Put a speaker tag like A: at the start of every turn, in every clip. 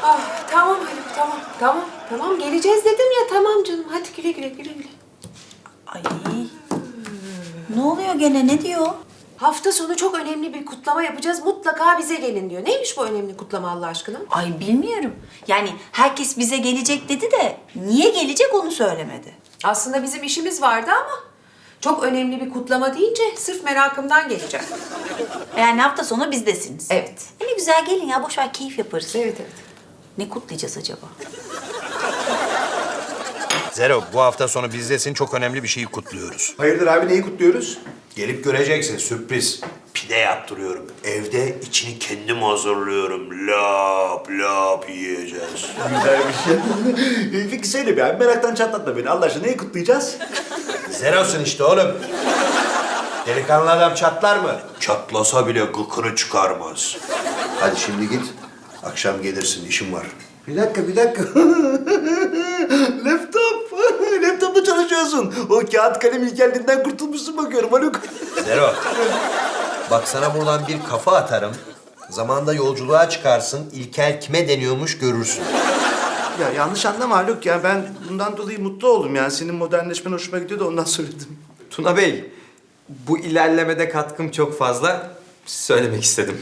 A: Ah, tamam Haluk, tamam. Geleceğiz dedim ya, tamam canım. Hadi güle güle.
B: Ay. Ne oluyor gene? Ne diyor?
A: Hafta sonu çok önemli bir kutlama yapacağız. Mutlaka bize gelin diyor. Neymiş bu önemli kutlama Allah aşkına?
B: Ay bilmiyorum. Yani herkes bize gelecek dedi de niye gelecek onu söylemedi.
A: Aslında bizim işimiz vardı ama çok önemli bir kutlama deyince sırf merakımdan geleceğim.
B: Yani hafta sonu bizdesiniz.
A: Evet.
B: Ne güzel gelin ya, boş ver, keyif yaparız.
A: Evet.
B: Ne kutlayacağız acaba?
C: Zero, bu hafta sonu bizdesin, çok önemli bir şeyi kutluyoruz.
D: Hayırdır abi, neyi kutluyoruz?
C: Gelip göreceksin, sürpriz. Pide yaptırıyorum. Evde içini kendim hazırlıyorum. Lap lap yiyeceğiz.
D: Güzel bir şey. Peki söyle bir abi, meraktan çatlatma beni. Allah aşkına neyi kutlayacağız?
C: Zero'sun işte oğlum. Delikanlı adam çatlar mı? Çatlasa bile gıkını çıkarmaz. Hadi şimdi git. Akşam gelirsin, işim var.
D: Bir dakika. Laptop. Laptopla çalışıyorsun. O kağıt kalem ilkelliğinden kurtulmuşsun bakıyorum Haluk.
C: Zero. Bak sana buradan bir kafa atarım. Zamanında yolculuğa çıkarsın. İlkel kime deniyormuş görürsün.
D: Ya yanlış anlama Haluk ya. Ben bundan dolayı mutlu oldum yani. Senin modernleşmen hoşuma gidiyor da ondan söyledim.
E: Tuna Bey, bu ilerlemede katkım çok fazla. Söylemek istedim.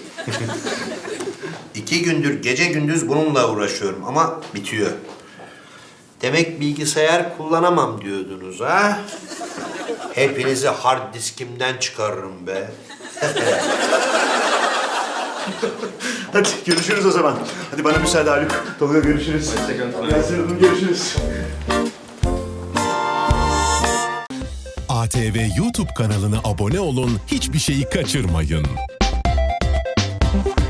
C: 2 gündür gece gündüz bununla uğraşıyorum ama bitiyor. Demek bilgisayar kullanamam diyordunuz ha? Hepinizi hard diskimden çıkarırım be.
D: Hadi görüşürüz o zaman. Hadi bana müsaade Haluk. Tolga görüşürüz.
E: Hoşçakalın.
D: Yasemin Hanım görüşürüz.
F: ATV YouTube kanalına abone olun, hiçbir şeyi kaçırmayın.